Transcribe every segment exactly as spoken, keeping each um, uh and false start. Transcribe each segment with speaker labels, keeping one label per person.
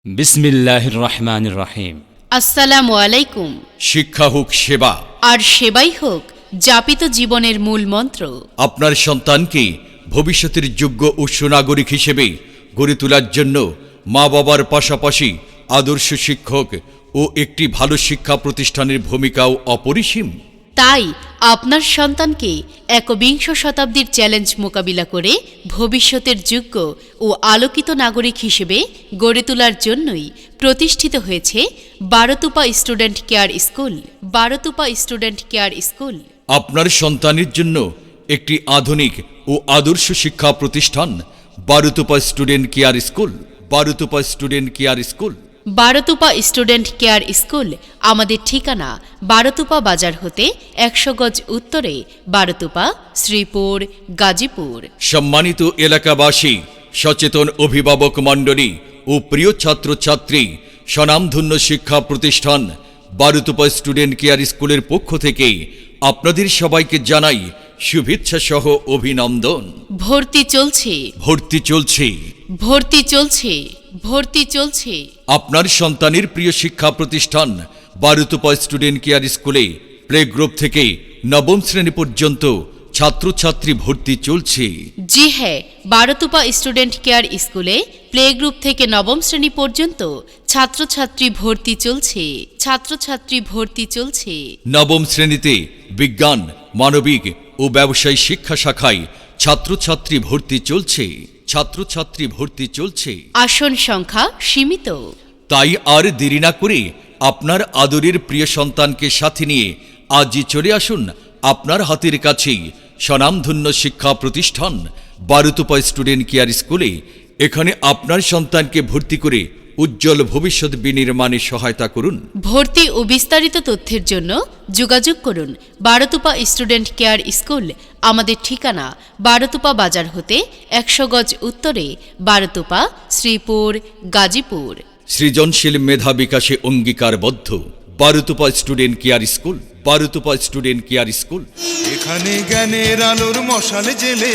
Speaker 1: বিসমিল্লাহির রহমানির রহিম।
Speaker 2: আসসালামু আলাইকুম।
Speaker 3: শিক্ষা হোক সেবা,
Speaker 2: আর সেবাই হোক যাপিত জীবনের মূল মন্ত্র।
Speaker 3: আপনার সন্তানকে ভবিষ্যতের যোগ্য ও সুনাগরিক হিসেবে গড়ে তোলার জন্য মা বাবার পাশাপাশি আদর্শ শিক্ষক ও একটি ভালো শিক্ষা প্রতিষ্ঠানের ভূমিকাও অপরিসীম।
Speaker 2: তাই আপনার সন্তানকে একবিংশ শতাব্দীর চ্যালেঞ্জ মোকাবিলা করে ভবিষ্যতের যোগ্য ও আলোকিত নাগরিক হিসেবে গড়ে তোলার জন্যই প্রতিষ্ঠিত হয়েছে Barotupa student care school. Barotupa student care school
Speaker 3: আপনার সন্তানের জন্য একটি আধুনিক ও আদর্শ শিক্ষা প্রতিষ্ঠান Barotupa student care school. Barotupa student care school
Speaker 2: Barotupa student care school আমাদের ঠিকানা বারোতুপা বাজার হতে একশো গজ উত্তরে, বারোতুপা, শ্রীপুর, গাজীপুর।
Speaker 3: সম্মানিত এলাকাবাসী, সচেতন অভিভাবক মণ্ডলী ও প্রিয় ছাত্রছাত্রী, স্বনামধন্য শিক্ষা প্রতিষ্ঠান বারোতুপা স্টুডেন্ট কেয়ার স্কুলের পক্ষ থেকে আপনাদের সবাইকে জানাই শুভেচ্ছা সহ অভিনন্দন।
Speaker 2: ভর্তি চলছে
Speaker 3: ভর্তি চলছে
Speaker 2: ভর্তি চলছে ভর্তি চলছে
Speaker 3: আপনার সন্তানের প্রিয় শিক্ষা প্রতিষ্ঠান বারোতুপা স্টুডেন্ট কেয়ার স্কুলে প্লে গ্রুপ থেকে নবম শ্রেণী পর্যন্ত ছাত্রছাত্রী ভর্তি চলছে।
Speaker 2: জি হ্যাঁ, বারোতুপা স্টুডেন্ট কেয়ার স্কুলে প্লে গ্রুপ থেকে নবম শ্রেণী পর্যন্ত ছাত্রছাত্রী ভর্তি চলছে ছাত্রছাত্রী ভর্তি চলছে
Speaker 3: নবম শ্রেণীতে বিজ্ঞান, মানবিক ও ব্যবসায়ী শিক্ষা শাখায় ছাত্রছাত্রী ভর্তি চলছে ছাত্রছাত্রী ভর্তি চলছে
Speaker 2: আসন সংখ্যা সীমিত।
Speaker 3: তাই আর দেরি না করে আপনার আদরের প্রিয় সন্তানকে সাথে নিয়ে আজই চলে আসুন আপনার হাতের কাছেই স্বনামধন্য শিক্ষা প্রতিষ্ঠান বারোতুপা স্টুডেন্ট কেয়ার স্কুলে। এখানে আপনার সন্তানকে ভর্তি করে উজ্জ্বল ভবিষ্যৎ বিনির্মাণে সহায়তা করুন।
Speaker 2: ভর্তি ও বিস্তারিত তথ্যের জন্য যোগাযোগ করুন বারোতুপা স্টুডেন্ট কেয়ার স্কুল। আমাদের ঠিকানা বারোতুপা বাজার হতে একশো গজ উত্তরে, বারোতুপা, শ্রীপুর, গাজীপুর।
Speaker 3: সৃজনশীল মেধা বিকাশে অঙ্গীকারবদ্ধ Barotupa student care school. Barotupa student care school
Speaker 4: এখানে জ্ঞানের আলোর মশাল জেলে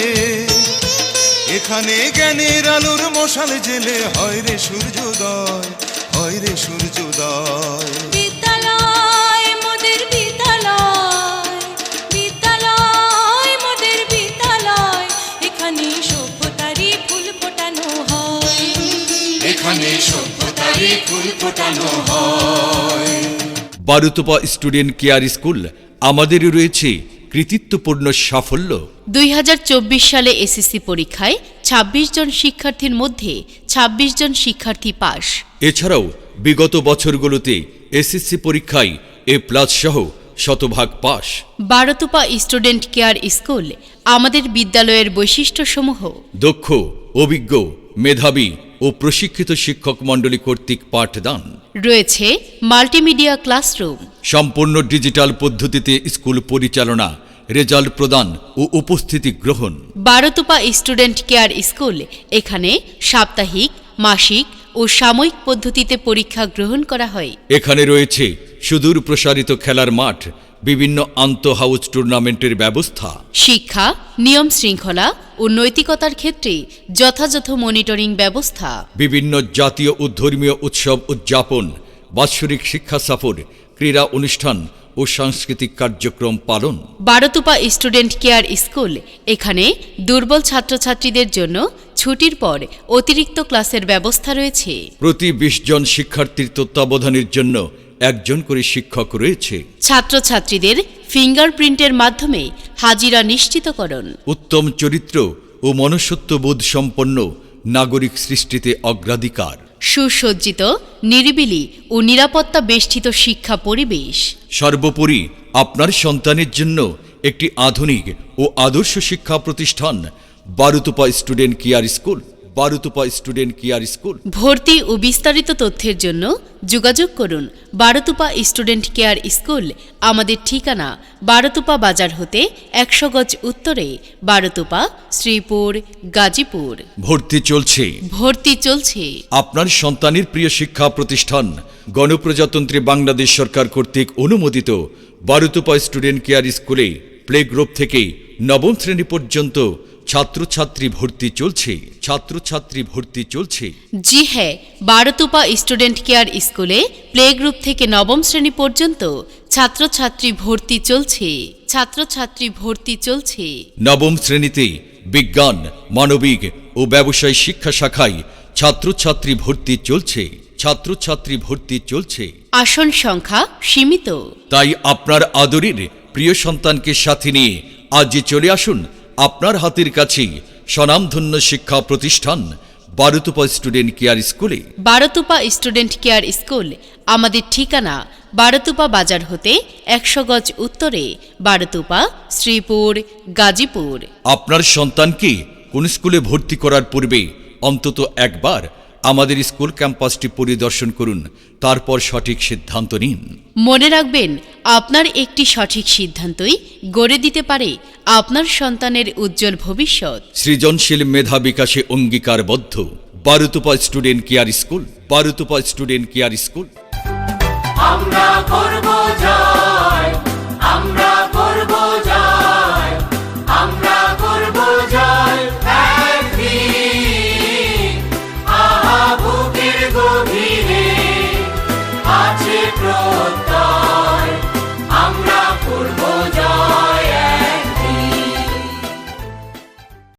Speaker 4: এখানে জ্ঞানের আলোর মশাল জেলে হয় রে সূর্যোদয়, হয় রে সূর্যোদয়।
Speaker 5: বিদ্যালয় মোদের বিদ্যালয়, বিদ্যালয় মোদের বিদ্যালয়, এখানে সভ্যতারই ফুল ফোটানো হয়,
Speaker 4: এখানে সভ্যতারই ফুল ফোটানো হয়।
Speaker 3: বারোতুপা স্টুডেন্ট কেয়ার স্কুল আমাদের রয়েছে কৃতিত্বপূর্ণ সাফল্য।
Speaker 2: দুই হাজার চব্বিশ সালে এসএসসি পরীক্ষায় ছাব্বিশ জন শিক্ষার্থীর মধ্যে ছাব্বিশ জন শিক্ষার্থী পাস।
Speaker 3: এছাড়াও বিগত বছরগুলোতে এসএসসি পরীক্ষায় এ প্লাস সহ শতভাগ pass.
Speaker 2: Barotupa student care school আমাদের বিদ্যালয়ের বৈশিষ্ট্যসমূহ:
Speaker 3: দক্ষ, অভিজ্ঞ, মেধাবী ও প্রশিক্ষিত শিক্ষক মণ্ডলী কর্তৃক পাঠদান।
Speaker 2: রয়েছে মাল্টিমিডিয়া ক্লাসরুম।
Speaker 3: সম্পূর্ণ ডিজিটাল পদ্ধতিতে স্কুল পরিচালনা, রেজাল্ট প্রদান ও উপস্থিতি গ্রহণ।
Speaker 2: বারোতুপা স্টুডেন্ট কেয়ার স্কুল এখানে সাপ্তাহিক, মাসিক ও সাময়িক পদ্ধতিতে পরীক্ষা গ্রহণ করা হয়।
Speaker 3: এখানে রয়েছে সুদূর প্রসারিত খেলার মাঠ, বিভিন্ন আন্তঃ হাউস টুর্নামেন্টের ব্যবস্থা।
Speaker 2: শিক্ষা, নিয়ম শৃঙ্খলা ও নৈতিকতার ক্ষেত্রে যথাযথ মনিটরিং ব্যবস্থা।
Speaker 3: বিভিন্ন জাতীয় ও ধর্মীয় উৎসব উদযাপন, বাৎসরিক শিক্ষা সফর, ক্রীড়া অনুষ্ঠান ও সাংস্কৃতিক কার্যক্রম পালন।
Speaker 2: বারোতুপা স্টুডেন্ট কেয়ার স্কুল এখানে দুর্বল ছাত্রছাত্রীদের জন্য ছুটির পর অতিরিক্ত ক্লাসের ব্যবস্থা রয়েছে।
Speaker 3: প্রতি বিশ জন শিক্ষার্থীর তত্ত্বাবধানের জন্য একজন করে শিক্ষক রয়েছে।
Speaker 2: ছাত্রছাত্রীদের ফিঙ্গারপ্রিন্টের মাধ্যমে হাজিরা নিশ্চিতকরণ।
Speaker 3: উত্তম চরিত্র ও মনুষ্যত্ববোধ সম্পন্ন নাগরিক সৃষ্টিতে অগ্রাধিকার।
Speaker 2: সুসজ্জিত, নিরিবিলি ও নিরাপত্তা বেষ্টিত শিক্ষা পরিবেশ।
Speaker 3: সর্বোপরি আপনার সন্তানের জন্য একটি আধুনিক ও আদর্শ শিক্ষা প্রতিষ্ঠান Barotupa student care school. Barotupa student care school.
Speaker 2: ভর্তি ও বিস্তারিত তথ্যের জন্য যোগাযোগ করুন বারোতুপা স্টুডেন্ট কেয়ার স্কুল। আমাদের ঠিকানা বারোতুপা বাজার হতে একশো গজ উত্তরে, বারোতুপা, শ্রীপুর, গাজীপুর।
Speaker 3: ভর্তি চলছে
Speaker 2: ভর্তি চলছে
Speaker 3: আপনার সন্তানের প্রিয় শিক্ষা প্রতিষ্ঠান গণপ্রজাতন্ত্রী বাংলাদেশ সরকার কর্তৃক অনুমোদিত বারোতুপা স্টুডেন্ট কেয়ার স্কুলে প্লে গ্রুপ থেকে নবম শ্রেণী পর্যন্ত ছাত্রছাত্রী ভর্তি চলছে ছাত্রছাত্রী ভর্তি চলছে
Speaker 2: জি হ্যাঁ, বারোতুপা স্টুডেন্ট কেয়ার স্কুলে প্লে গ্রুপ থেকে নবম শ্রেণী পর্যন্ত ছাত্রছাত্রী ভর্তি চলছে ছাত্রছাত্রী ভর্তি চলছে
Speaker 3: নবম শ্রেণীতে বিজ্ঞান, মানবিক ও ব্যবসায় শিক্ষা শাখায় ছাত্রছাত্রী ভর্তি চলছে ছাত্রছাত্রী ভর্তি চলছে
Speaker 2: আসন সংখ্যা সীমিত।
Speaker 3: তাই আপনার আদরের প্রিয় সন্তানকে সাথে নিয়ে আজই চলে আসুন আপনার হাতের কাছেই স্বনামধন্য শিক্ষা প্রতিষ্ঠান বারোতুপা স্টুডেন্ট কেয়ার স্কুলে।
Speaker 2: বারোতুপা স্টুডেন্ট কেয়ার স্কুল আমাদের ঠিকানা বারোতুপা বাজার হতে একশো গজ উত্তরে, বারোতুপা, শ্রীপুর, গাজীপুর।
Speaker 3: আপনার সন্তানকে কোন স্কুলে ভর্তি করার পূর্বে অন্তত একবার আমাদের স্কুল ক্যাম্পাসটি পরিদর্শন করুন, তারপর সঠিক সিদ্ধান্ত নিন।
Speaker 2: মনে রাখবেন, আপনার একটি সঠিক সিদ্ধান্তই গড়ে দিতে পারে আপনার সন্তানের উজ্জ্বল ভবিষ্যৎ।
Speaker 3: সৃজনশীল মেধা বিকাশে অঙ্গীকারবদ্ধ Barotupa student care school Barotupa student care school.
Speaker 4: আমরা করব যা